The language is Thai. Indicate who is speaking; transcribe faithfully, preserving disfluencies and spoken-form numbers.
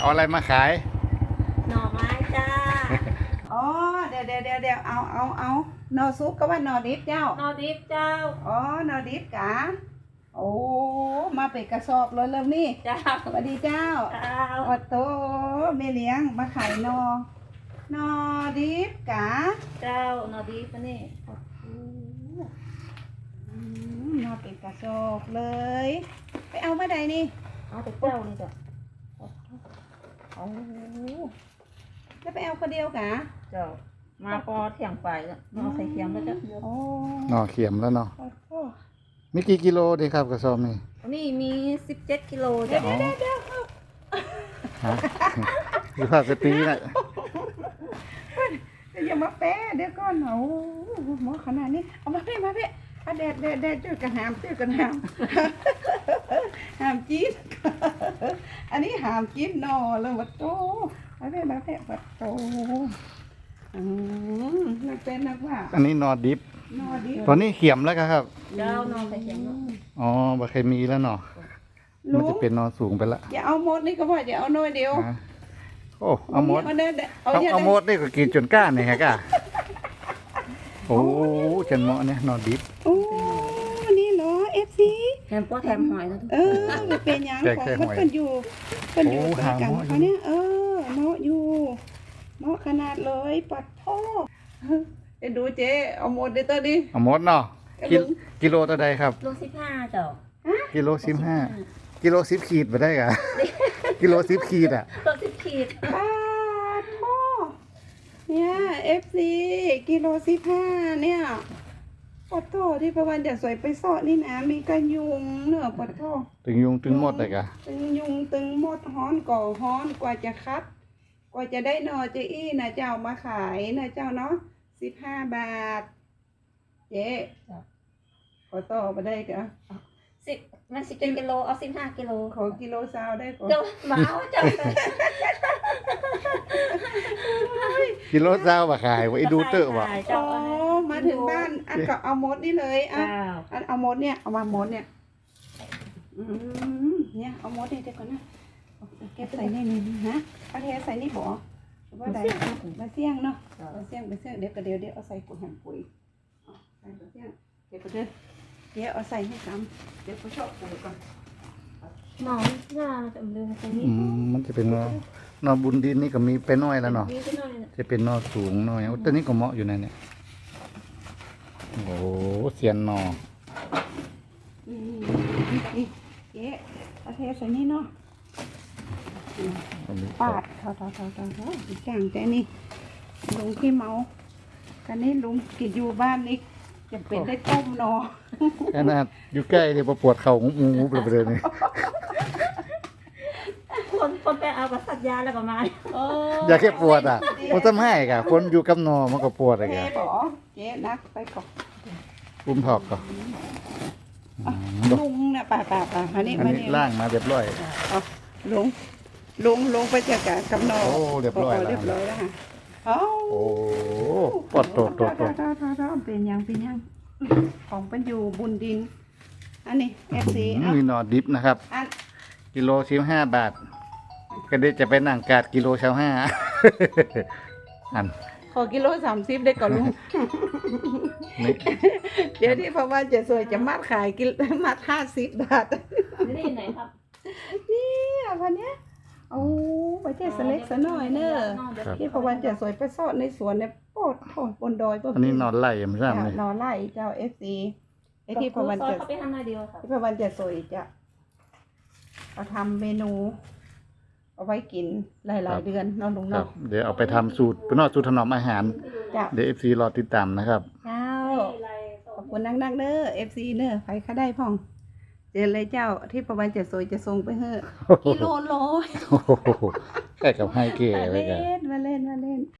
Speaker 1: เอาอะไรมาขาย
Speaker 2: หน่อไม้จ้า
Speaker 3: อ๋อเดี๋ยวเดี๋ยวเดี๋ยวเดี๋ยวเอาเอาเอาหนอซุปก็ว่าหนอดิบเจ้า
Speaker 2: หน่อดิบเจ้า
Speaker 3: อ๋อหนอดิบกะโอ้มาเป็นกระสอบเลยเริ่มนี่
Speaker 2: เจ้า
Speaker 3: สวัสดีเจ้า
Speaker 2: เจ้า
Speaker 3: โอ้โตแม่เลี้ยงมาขายหนอหนอดิบกะ
Speaker 2: เจ้าหน่อดิบนี่
Speaker 3: มาเป็นกระสอบเลยไปเอามาใดนี่
Speaker 2: เอาแต่เจ้านี่จ้ะ
Speaker 3: โอ้แล้วไปเอาคนเดียวกะ
Speaker 2: เจ้ามาพอเที่ยงไปแล้วนอใส่เคียงแล้วจ้ะ
Speaker 3: โอ้
Speaker 1: หน่อเขียมแล้วเนาะมีกี่กิโลดีครับกระสอบนี่
Speaker 2: นี่มีสิบเจ็ดกิโล
Speaker 3: เดี๋ยว
Speaker 2: จ้ะ
Speaker 3: เดี๋ยวเดี๋ยว
Speaker 1: ฮะดูภาพสตรีน่ะ
Speaker 3: อย่ามาแปะเดี๋ยวก่อนโอ้หมอขนาดนี้เอามาเพ่มาเพ่เอาแดดแดดแดดจุดกระหามจุดกระหามหามจีนอันนี้หามจีนนอเลยวัดโตมาเพ่มาเพ่วัดโตอืมนักเป็นนักว่า
Speaker 1: อันนี้นอดิบ
Speaker 3: นอดิบ
Speaker 1: ตอนนี้เขียมแล้วครับ
Speaker 2: เจ้านอใส่เคียง
Speaker 1: อ๋อบะเคยมีแล้วเนาะมันจะเป็นนอสูงไปละ
Speaker 3: อย่าเอาหมดนี่ก็พออย่าเอาน้อยเดียว
Speaker 1: โอ้เอาหมด
Speaker 3: เอา
Speaker 1: เอาหมดนี่ก็กินจนก้านนี่ฮะก้าโอ้ฉันเหมาะเนี่ยนอดิบ
Speaker 3: โอ้นี่เหรอเอฟซี
Speaker 2: แถมป้อแถมหอยนะ
Speaker 3: เออมันเป็นยังของมันเป็นอยู่เป็นอยู่กันเขาเนี่ยเออเหมาะอยู่เหมาะขนาดเลยปัดพ่อเดี๋ยวดูเจ๊เอาหมดเดี๋ยวตัวดิ
Speaker 1: เอาหมดเนาะกิโลตัวใดครับ
Speaker 2: โลสิบห้าเจ้า
Speaker 1: กิโลสิบห้ากิโลสิบขีดไปได้กะกิโลสิบขีดอ่ะ
Speaker 2: โลสิบขีด
Speaker 3: ปัดพ่อเนี่ยเอฟซีกิโลสิบห้าเนี่ยปัดโตที่ประวันจะสวยไปสอดนี่นะมีกันยุงเนอะปัดโต
Speaker 1: ตึงยุงตึงหมดเลยกะ
Speaker 3: ตึงยุงตึงหมดฮ้อนก่อฮ้อนกว่าจะคัดกว่าจะได้นอเจอี้นะเจ้ามาขายนะเจ้าเนาะสิบห้าบาทเจ๊ขอต่อมาได้กะ
Speaker 2: สิบมันสิบเจ็ดกิโลเอาสิบห้ากิโล
Speaker 3: ขอกิโลซาวได้ก่อน
Speaker 2: เจ้ามาเอาเจ้า
Speaker 1: กิโลซาวมาขายไว้ดูเตอร์วะ
Speaker 3: อ๋อมาถึงบ้านอันก็เอามดนี่เลยอ่ะอันเอามดเนี่ยเอามามดเนี่ยอืมเนี่ยเอามดนี่เดี๋ยวก่อนนะเก็บใส่นี่นี่ฮะเอาเทใส่นี่บ่ว่าใดมาเสี่ยงเนาะมาเสี่ยงมาเสี่ยงเดี๋ยวก็เดี๋ยวเดี๋ยวเอาใส่ปุ๋ยหั่นปุ๋ยใส่มาเสี่ยงเดี๋ยวก็เดี๋ยวเดี๋ยวเอาใส่ให้ซ้ำเดี๋ยวเขาชอบปุ๋ยก่อน
Speaker 2: หนอนหน้าจะเรื่องตรงนี้
Speaker 1: มันจะเป็นนอนอบุญดินนี่ก็มีไปน้อยแล้วเนาะจะเป็นนอสูงน้อยตัวนี้ก็เหมาะอยู่ในเนี่ยโอ้เสียนนอ
Speaker 3: เจ๊เอาเทใส่นี่เนาะปาดเท่าเท่าเท่าเท่าเท่าจางแต่นี่ลุงขี้เมากันนี้ลุงกินอยู่บ้านนี่จะเป็นได้ต้มนอ
Speaker 1: ขนาดอยู่ใกล้เดี๋ยวปวดเข่างูงูไปเลยนี่
Speaker 2: คนคนไปเอากับสัตยาแล้วประมาณ
Speaker 1: อยากแค่ปวดอ่ะมันทำให้กะคนอยู่กับนอมันก็ปวดอะไรกัน
Speaker 3: เจ๊บอกเจ๊นักไปก่อน
Speaker 1: อุ้มถอกก่อน
Speaker 3: ลุงเนี่ยป่าป่าป่ามานี่มานี่
Speaker 1: ล่างมาเรียบร้อย
Speaker 3: ลุงลุงลุงไปเจอกับกับนอ
Speaker 1: โอ้เรียบร้อย
Speaker 3: เรียบร้อยแล้วค่ะ
Speaker 1: โอ้ปวดโตโตโต
Speaker 3: เป็นยังเป็นยังของเป็นอยู่บุญดินอันนี้เอฟซี
Speaker 1: มีนอดิบนะครับกิโลสิบห้าบาทก็ได้จะไปนั่งกาดกิโลเช้าห้าอัน
Speaker 3: ขอกิโลสามสิบได้ก่อนลุงเดี๋ยวที่พระว่าจะสวยจะมัดขายกิโลมัดห้าสิบบาท
Speaker 2: นี่ไหนครับ
Speaker 3: นี่อ่ะพันเนี้ยโอ้ไปเจ๊สเล็กสน้อยเนอะที่พระวันจะสวยไปซ่อนในสวนเนี่ยโปดโถบนดอย
Speaker 1: อันนี้นอนไล่ไม่ใช่ไหม
Speaker 3: นอนไล่เจ้าเอฟซีไอที่พระวันจะที่พระวันจะสวยจะเอาทำเมนูเอาไว้กินหลายๆเดือนนอนลงนอก
Speaker 1: เดี๋ยวเอาไปทำสูตรเป็นนอกสูตรถนอมอาหารเดี๋ยวเอฟซีรอติดตามนะครับ
Speaker 3: เจ้าขอบคุณนักๆเนอะเอฟซีเนอะใครข้าได้พ่องเจอเลยเจ้าที่ประวันจะสวยจะทรงไปเฮ้อกิโลโล
Speaker 1: ใกล้กับไฮเก๋
Speaker 3: เลยกันมาเล่นมาเล่นมาเล่น